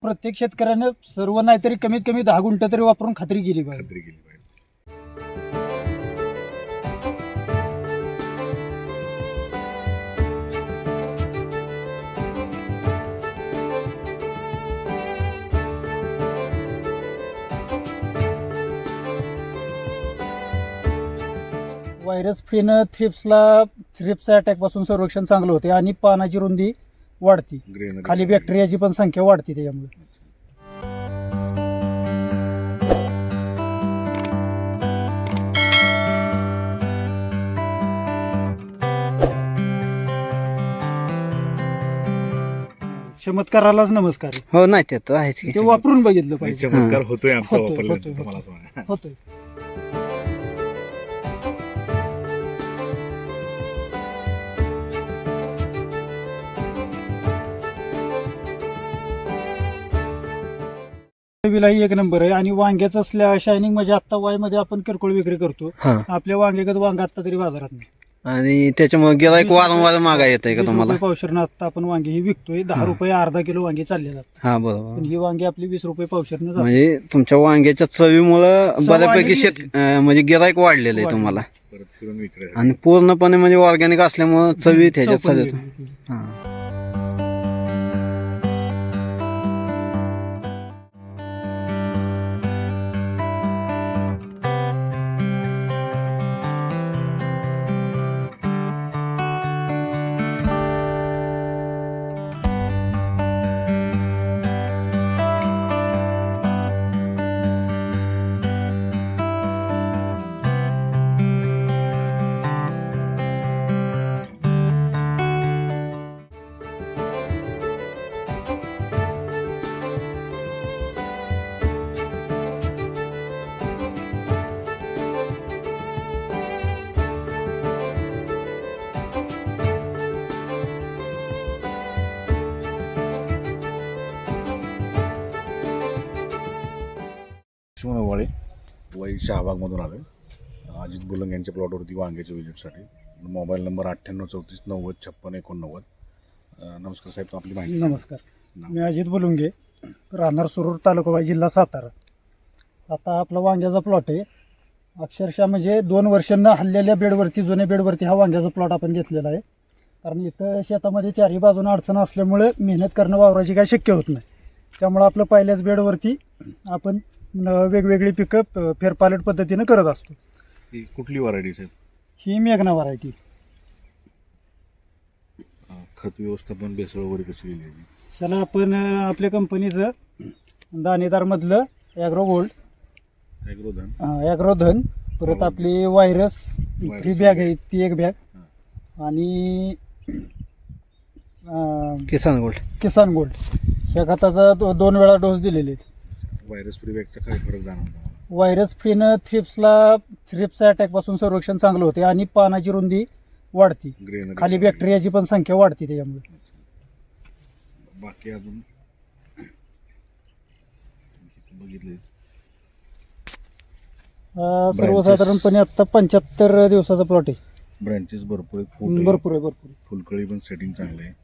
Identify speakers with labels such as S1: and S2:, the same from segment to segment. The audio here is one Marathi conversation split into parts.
S1: प्रत्येक शेतकऱ्यानं सर्व नाहीतरी कमीत कमी 10 गुंठ तरी वापरून खात्री केली पाहिजे.
S2: खात्री केली पाहिजे.
S1: व्हायरस फ्रीनं थ्रिप्सच्या अटॅकपासून संरक्षण चांगलं होते आणि पानाची रुंदी वाढती,
S2: Greenery
S1: खाली बॅक्टेरियाची पण संख्या वाढते त्याच्यामुळे. चमत्कारालाच नमस्कार आहे.
S3: हो नाही ते तर आहेच की.
S1: ते वापरून बघितलं
S2: नाही,
S1: पाहिजे.
S2: चमत्कार होतोय आमचा
S1: होतोय,
S2: वापरल्यानंतर
S1: होतोय,
S2: तुम्हाला सांगा.
S1: होतोय. विलाही एक नंबर आहे आणि वांग्याचं शायनिंग म्हणजे आता वाय मध्ये आपण किरकोळ विक्री करतो.
S3: हा
S1: आपल्या वांग्यागत वांग आता तरी बाजारात नाही.
S3: आणि त्याच्यामुळे गिराईक
S1: 20
S3: वारंवार मागा येत आहे का
S1: 20
S3: तुम्हाला?
S1: रुपये पावशेरनं आता आपण वांगी ही विकतोय. 10 रुपये अर्धा किलो वांगी चालले जातात.
S3: हा
S1: पण
S3: बरोबर.
S1: ही वांगी आपली 20 रुपये पावशेरनं जातात.
S3: म्हणजे तुमच्या वांग्याच्या चवीमुळं
S1: चव
S3: बऱ्यापैकी
S1: आलेली
S3: म्हणजे गिराईक वाढलेलं आहे
S1: वाढलेलं.
S3: तुम्हाला.
S2: परत फिरून विचारायचं.
S3: आणि पूर्णपणे म्हणजे ऑर्गॅनिक असल्यामुळं चवी त्याच्यात
S1: चव पण
S3: चालत.
S1: वेगळी.
S3: हा
S2: लक्ष्मण वाळे वै शहाबागमधून आलो आहे. अजित बुलंग यांच्या प्लॉटवरती वांग्याच्या विजिटसाठी. Mobile number 9834905689. नमस्कार साहेब, आपली माहिती
S1: नमस्कार, मी अजित बुलुंगे, राहणार सुरूर, तालुका वाई, जिल्हा सातारा. आता आपला वांग्याचा प्लॉट आहे. अक्षरशः म्हणजे 2 वर्षांना हल्लेल्या बेडवरती, जुन्या बेडवरती हा वांग्याचा प्लॉट आपण घेतलेला आहे. कारण इथं शेतामध्ये चारही बाजून अडचण असल्यामुळे मेहनत करणं वावराची काही शक्य होत नाही. त्यामुळं आपलं पहिल्याच बेडवरती आपण वेगवेगळी पिकं फेरपालट पद्धतीनं करत असतो.
S2: ही कुठली व्हरायटी साहेब?
S1: ही मेघना व्हरायटी.
S2: खत व्यवस्थापन भेसळ वगैरे कशी केली आहे?
S1: त्याला आपण आपल्या कंपनीचं दाणेदारमधलं ॲग्रो गोल्ड, ॲग्रोधन, परत आपली व्हायरस फ्री बॅग आहे ती एक बॅग, आणि
S3: किसान गोल्ड
S1: ह्या खताचा 2 वेळा डोस दिलेले आहेत.
S2: व्हायरस फ्री बॅगचा काय फरक जाणवतो?
S1: व्हायरस फ्रीनं थ्रिप्सच्या अटॅकपासून संरक्षण चांगलं होते आणि पानाची रुंदी वाढती,
S2: Greenery
S1: खाली बॅक्टेरियाची पण संख्या वाढते त्याच्यामुळे.
S2: बाकी अजून बघितले
S1: सर्वसाधारणपणे आता 75 दिवसाचा प्लॉट आहे.
S2: ब्रँचेस भरपूर आहेत, फूट आहे,
S1: भरपूर आहे.
S2: फुलकळी पण सेटिंग चांगलं आहे.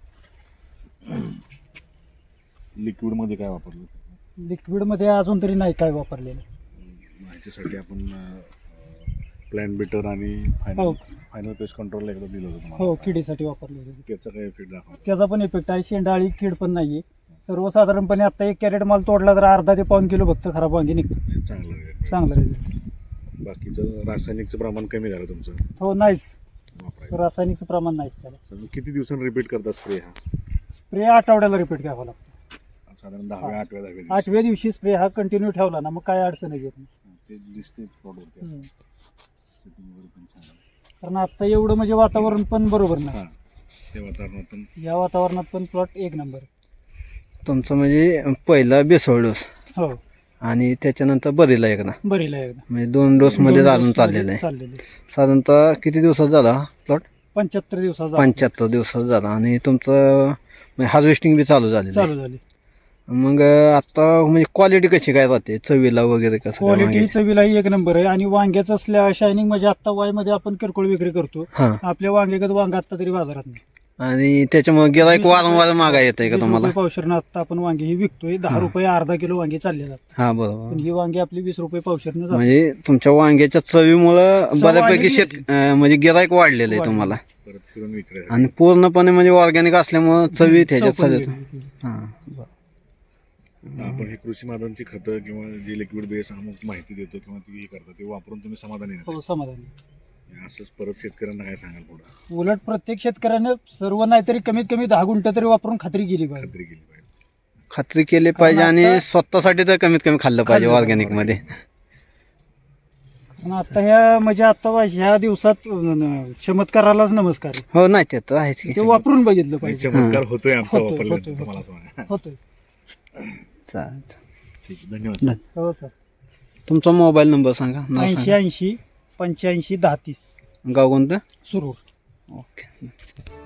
S2: लिक्विडमध्ये काय वापरलं?
S1: लिक्विडमध्ये अजून तरी नाही काय वापरलेलं.
S2: ह्याच्यासाठी आपण प्लॅन बिटर आणि
S1: हो.
S2: फायनल पेस्ट कंट्रोल एकदा दिलं होतं
S1: हो,
S2: तुम्हाला.
S1: किडीसाठी वापरले होते.
S2: त्याचा काय इफेक्ट दाखवा?
S1: त्याचा पण इफेक्ट आहे. शेंडाळी कीड पण नाहीये. सर्वसाधारणपणे आता 1 कॅरेट माल तोडला तर अर्धा ते पाऊण किलो फक्त खराब वांगी निघतात.
S2: चांगलं आहे.
S1: चांगलं रिझल्ट.
S2: बाकीचं रासायनिकचं प्रमाण कमी झालं तुमचं
S1: हो, नाहीच.
S2: वापरायचं.
S1: रासायनिकचं प्रमाण नाहीच त्याला.
S2: किती दिवसांनी रिपीट करता स्प्रे हा?
S1: स्प्रे आठवड्याला रिपीट घ्यावा लागतो.
S2: साधारण 10व्या 8व्या 10व्या दिवशी.
S1: 8व्या दिवशी स्प्रे हा कंटिन्यू ठेवला ना मग काय अडचणच येत नाही.
S2: ते दिसते प्लॉटवरती.
S1: हम्म.
S2: Setting वगैरे पण छान आहे.
S1: कारण आता एवढं म्हणजे वातावरण पण बरोबर नाही.
S2: हा, ते वातावरणात पण
S1: या वातावरणात पण प्लॉट एक नंबर.
S3: तुमचं म्हणजे पहिला बेसळ डोस
S1: हो,
S3: आणि त्याच्यानंतर बरीला एकदा,
S1: बरीला एकदा
S3: म्हणजे 2 डोस मध्ये घालून चाललेलं आहे. साधारणतः किती दिवसात झाला प्लॉट?
S1: 75 दिवसाचा
S3: 75 दिवसात झाला. आणि तुमचं हार्वेस्टिंग बी चालू झाली.
S1: झाली.
S3: मग आता म्हणजे क्वालिटी कशी काय राहते, चवीला वगैरे कसं काय
S1: क्वालिटी
S3: वांग्याची?
S1: चवीलाही एक नंबर आहे आणि वांग्याचं शायनिंग म्हणजे आता वाय मध्ये आपण किरकोळ विक्री करतो.
S3: हा
S1: आपल्या वांग्यागत वांग आता तरी बाजारात नाही.
S3: आणि त्याच्यामुळे गिराईक वारंवार मागा येत आहे का
S1: 20
S3: तुम्हाला?
S1: रुपये पावशेरनं आता आपण वांगे ही विकतोय. 10 रुपये अर्धा किलो वांगे चालले जातात.
S3: हा बरोबर.
S1: पण ही वांगे आपली 20 रुपये पावशेरनं जातात.
S3: म्हणजे तुमच्या वांग्याच्या चवीमुळं
S1: चव
S3: बऱ्यापैकी
S1: वाढलेली
S3: म्हणजे गिराईक वाढलेलं आहे
S1: वाढलेलं.
S3: तुम्हाला.
S2: परत फिरून विचारायचं.
S3: आणि पूर्णपणे म्हणजे ऑर्गॅनिक असल्यामुळं चवी त्याच्यात
S1: चव पण
S3: सगळं.
S1: वेगळी.
S3: हा बरं.
S2: आपण हे कृषी माध्यमांची खतं किंवा जे लिक्विड बेस अमुक माहिती देतो किंवा ती हे करतो ते वापरून तुम्ही समाधानी नसाल.
S1: हो, समाधानी.
S2: असंच परत शेतकऱ्यांना काय सांगाल पुढे
S1: उलट प्रत्येक शेतकऱ्यानं सर्व नाहीतरी कमीत कमी 10 गुंठ तरी वापरून खात्री केली पाहिजे.
S2: खात्री केली पाहिजे.
S3: खात्री केली पाहिजे आणि
S1: आता-
S3: स्वतःसाठी तर कमीत कमी खाल्लं पाहिजे
S1: खाल्लं
S3: ऑर्गॅनिक मध्ये.
S1: पण आता ह्या म्हणजे आता ह्या दिवसात चमत्कारालाच नमस्कार आहे.
S3: हो नाही ते तर आहेच की.
S1: ते वापरून बघितलं
S2: नाही,
S1: पाहिजे.
S2: चमत्कार होतोय आमचा
S1: होतोय,
S2: वापरल्यानंतर
S1: होतोय.
S2: तुम्हाला सांगा.
S1: होतोय.
S3: चालेल.
S2: ठीक आहे, धन्यवाद.
S1: हो सर.
S3: तुमचा मोबाईल नंबर सांगा, नाव
S1: 80
S3: सांगा.
S1: 80 85 10 30
S3: गाव कोणतं?
S1: सुरू.
S3: ओके.